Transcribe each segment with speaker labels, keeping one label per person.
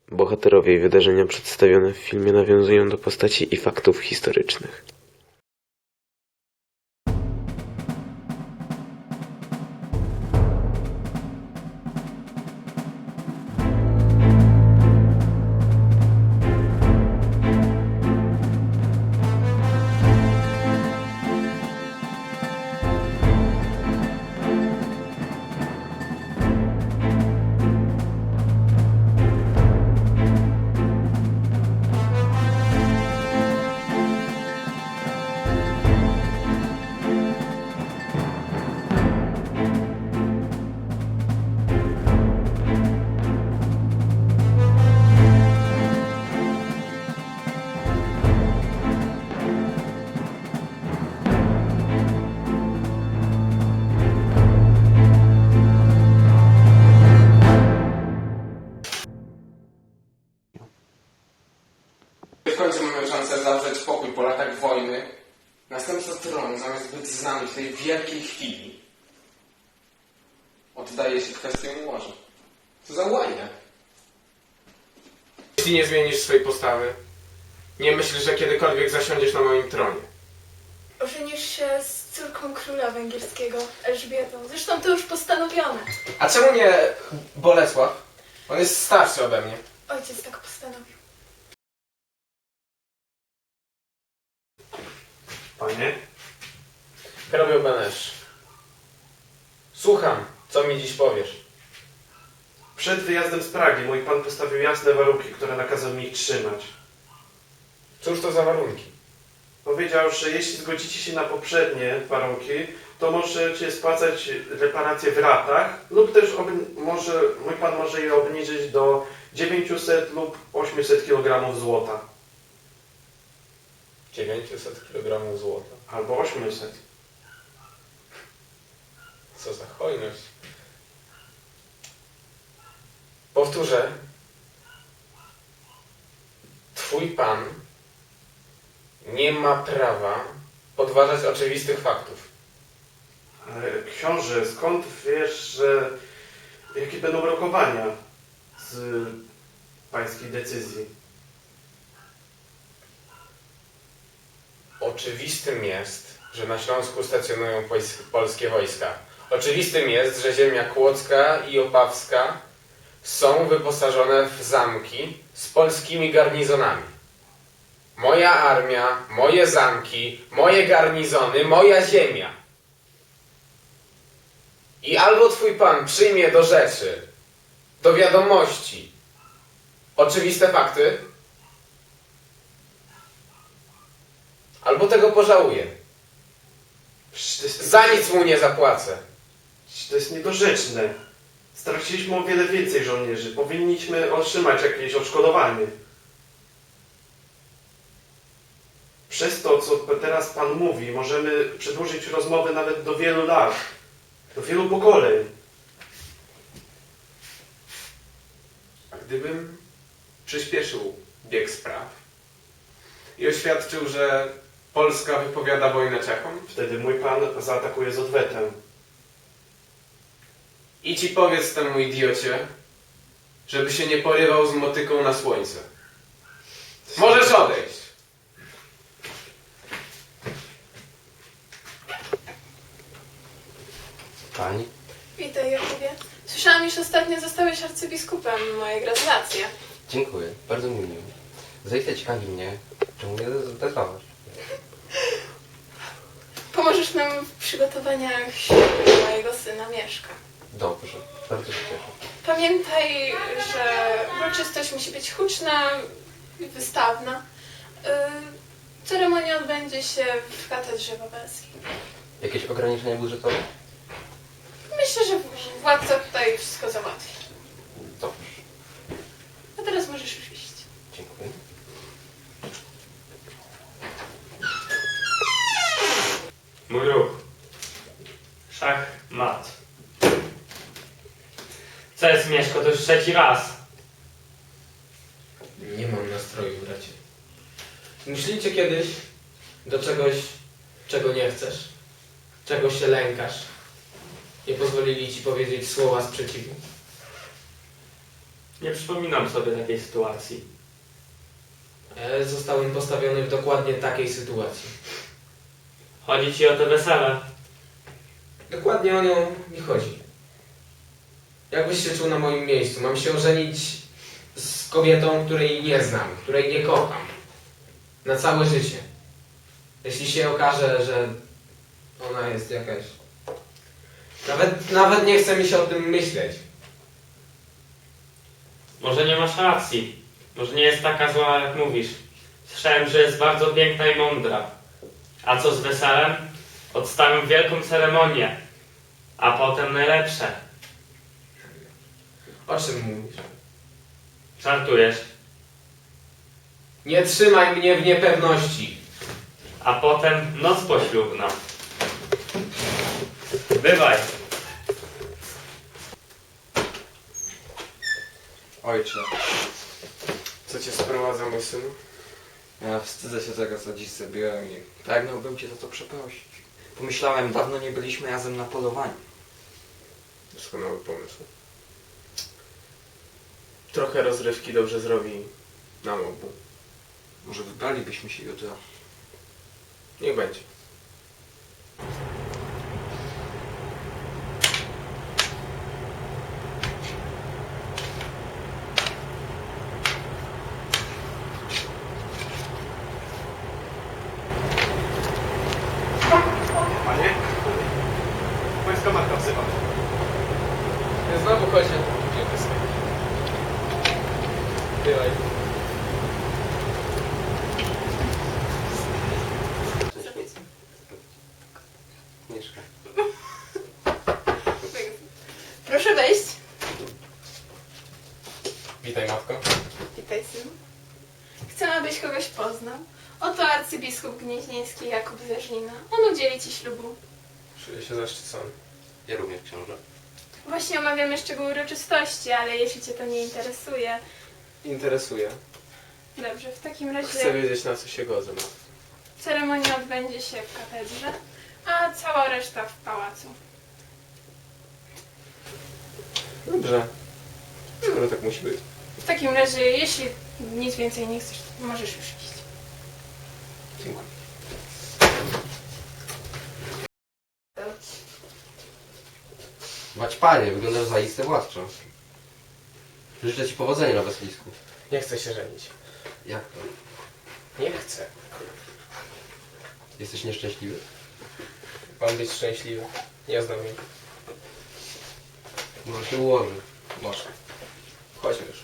Speaker 1: Bohaterowie i wydarzenia przedstawione w filmie nawiązują do postaci i faktów historycznych.
Speaker 2: W końcu mamy szansę zawrzeć pokój po latach wojny. Następca tronu, zamiast być z nami w tej wielkiej chwili, oddaje się kwestią morza. Co za łajna. Jeśli nie zmienisz swojej postawy, nie myślisz, że kiedykolwiek zasiądziesz na moim tronie.
Speaker 3: Ożenisz się z córką króla węgierskiego, Elżbietą. Zresztą to już postanowione.
Speaker 2: A czemu nie Bolesław? On jest starszy ode mnie.
Speaker 3: Ojciec tak postanowił.
Speaker 4: Panie?
Speaker 2: Hrabio Benesz. Słucham, co mi dziś powiesz.
Speaker 4: Przed wyjazdem z Pragi mój pan postawił jasne warunki, które nakazał mi ich trzymać.
Speaker 2: Cóż to za warunki?
Speaker 4: Powiedział, że jeśli zgodzicie się na poprzednie warunki, to możecie spłacać reparacje w ratach lub też mój pan może je obniżyć do 900 lub 800 kg złota.
Speaker 2: 900 kg złota.
Speaker 4: Albo 800.
Speaker 2: Co za hojność. Powtórzę. Twój pan nie ma prawa podważać oczywistych faktów.
Speaker 4: Ale książę, skąd wiesz, jakie będą rokowania z pańskiej decyzji?
Speaker 2: Oczywistym jest, że na Śląsku stacjonują polskie wojska. Oczywistym jest, że ziemia kłodzka i opawska są wyposażone w zamki z polskimi garnizonami. Moja armia, moje zamki, moje garnizony, moja ziemia. I albo twój pan przyjmie do rzeczy, do wiadomości oczywiste fakty, albo tego pożałuje. Za nic mu nie zapłacę.
Speaker 4: To jest niedorzeczne. Straciliśmy o wiele więcej żołnierzy. Powinniśmy otrzymać jakieś odszkodowanie. Przez to, co teraz pan mówi, możemy przedłużyć rozmowę nawet do wielu lat. Do wielu pokoleń.
Speaker 2: A gdybym przyspieszył bieg spraw i oświadczył, że Polska wypowiada wojnę Czechom?
Speaker 4: Wtedy mój pan zaatakuje z odwetem.
Speaker 2: I ci powiedz temu idiocie, żeby się nie porywał z motyką na słońce. Możesz odejść.
Speaker 5: Pani?
Speaker 3: Witaj, Jakubie. Słyszałam, iż ostatnio zostałeś arcybiskupem. Moje gratulacje.
Speaker 5: Dziękuję, bardzo mi miło. Zajście ciekawi mnie, czemu mnie wezwałaś.
Speaker 3: Pomożesz nam w przygotowaniach ślubu mojego syna Mieszka.
Speaker 5: Dobrze, bardzo się cieszę.
Speaker 3: Pamiętaj, że uroczystość musi być huczna i wystawna. Ceremonia odbędzie się w katedrze wawelskiej.
Speaker 5: Jakieś ograniczenia budżetowe?
Speaker 3: Myślę, że władca tutaj wszystko załatwi.
Speaker 5: Dobrze,
Speaker 3: A teraz możesz już iść.
Speaker 5: dziękuję.
Speaker 6: Mój ruch. Szach, mat. Co jest, Mieszko? To już trzeci raz.
Speaker 2: Nie mam nastroju, bracie. Myślicie kiedyś do czegoś, czego nie chcesz? Czego się lękasz? Nie pozwolili ci powiedzieć słowa sprzeciwu?
Speaker 6: Nie przypominam sobie takiej sytuacji.
Speaker 2: Zostałem postawiony w dokładnie takiej sytuacji.
Speaker 6: Chodzi ci o te wesele.
Speaker 2: Dokładnie o nią mi chodzi. Jakbyś się czuł na moim miejscu? Mam się ożenić z kobietą, której nie znam, której nie kocham. Na całe życie. Jeśli się okaże, że ona jest jakaś... Nawet nie chce mi się o tym myśleć.
Speaker 6: Może nie masz racji. Może nie jest taka zła, jak mówisz. Słyszałem, że jest bardzo piękna i mądra. A co z weselem? Odstawiam wielką ceremonię. A potem najlepsze.
Speaker 2: O czym mówisz?
Speaker 6: Żartujesz.
Speaker 2: Nie trzymaj mnie w niepewności.
Speaker 6: A potem noc poślubna. Bywaj.
Speaker 7: Ojcze,
Speaker 2: Co cię sprowadza, mój synu?
Speaker 7: ja wstydzę się tego, co dziś zrobiłem i pragnąłbym cię za to przeprosić. Pomyślałem, dawno nie byliśmy razem na polowaniu.
Speaker 2: Doskonały pomysł. Trochę rozrywki dobrze zrobi nam obu.
Speaker 7: Może wybralibyśmy się jutro.
Speaker 2: Niech będzie.
Speaker 4: Panie? Pańska matka wzywa.
Speaker 2: Znowu chodzi na Bywaj.
Speaker 5: Mieszka.
Speaker 3: Proszę wejść.
Speaker 2: Witaj, matko.
Speaker 3: Witaj, synu. Chcę, abyś kogoś poznał. Oto arcybiskup gnieźnieński Jakub Zerzlina. On udzieli ci ślubu.
Speaker 2: Czuję się zaszczycony.
Speaker 5: Ja również, książę.
Speaker 3: Właśnie omawiamy szczegóły uroczystości, ale jeśli cię to nie interesuje...
Speaker 2: Interesuje.
Speaker 3: Dobrze, w takim razie
Speaker 2: Chcę wiedzieć, na co się godzę.
Speaker 3: ceremonia odbędzie się w katedrze, a cała reszta w pałacu.
Speaker 2: Dobrze. Skoro tak musi być.
Speaker 3: W takim razie, jeśli nic więcej nie chcesz, to możesz już iść.
Speaker 2: Dziękuję.
Speaker 5: Bać panie, wyglądasz zaiste władczo. Życzę ci powodzenia na weselisku.
Speaker 2: Nie chcę się żenić.
Speaker 5: Jak to?
Speaker 2: Nie chcę.
Speaker 5: Jesteś nieszczęśliwy?
Speaker 2: Mam być szczęśliwy. Nie znam jej.
Speaker 5: Może się ułoży.
Speaker 2: Może. Chodźmy już.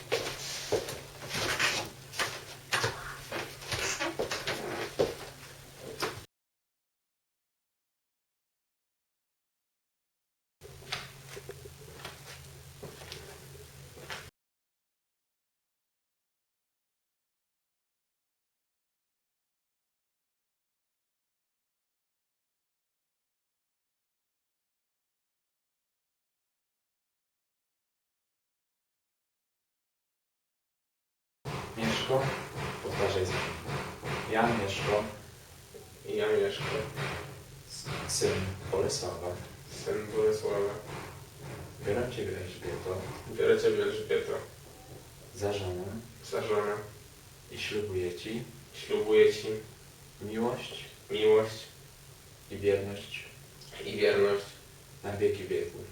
Speaker 8: Mieszko, powtarzaj za mną. Ja, Mieszko,
Speaker 2: I ja Mieszko,
Speaker 8: syn Bolesława,
Speaker 2: syn Bolesława.
Speaker 8: biorę Ciebie, Elżbieto,
Speaker 2: Biorę Ciebie, Elżbieto,
Speaker 8: za żonę
Speaker 2: za żonę.
Speaker 8: i ślubuję Ci
Speaker 2: Ślubuję Ci
Speaker 8: miłość
Speaker 2: miłość
Speaker 8: i wierność
Speaker 2: i wierność
Speaker 8: na wieki wieków.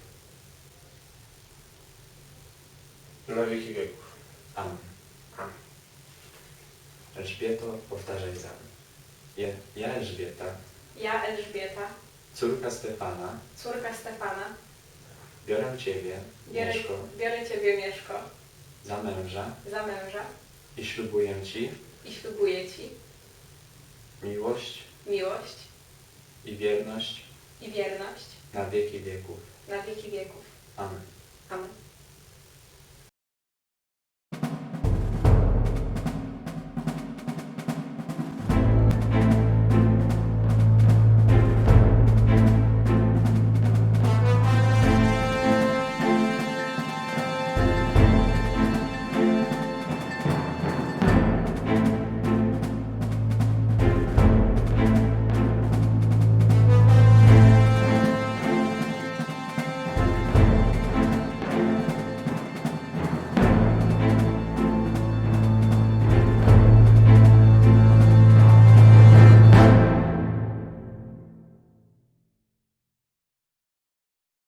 Speaker 2: na wieki wieków.
Speaker 8: Amen.
Speaker 2: Amen.
Speaker 8: Elżbieto, powtarzaj za mną. Ja, Elżbieta,
Speaker 3: Ja, Elżbieta,
Speaker 8: córka Stefana,
Speaker 3: córka Stefana,
Speaker 8: biorę Ciebie, Mieszko,
Speaker 3: biorę Ciebie, Mieszko,
Speaker 8: za męża
Speaker 3: za męża
Speaker 8: i ślubuję Ci
Speaker 3: i ślubuję Ci
Speaker 8: miłość
Speaker 3: miłość
Speaker 8: i wierność
Speaker 3: i wierność
Speaker 8: na wieki wieków.
Speaker 3: na wieki wieków.
Speaker 8: Amen.
Speaker 3: Amen.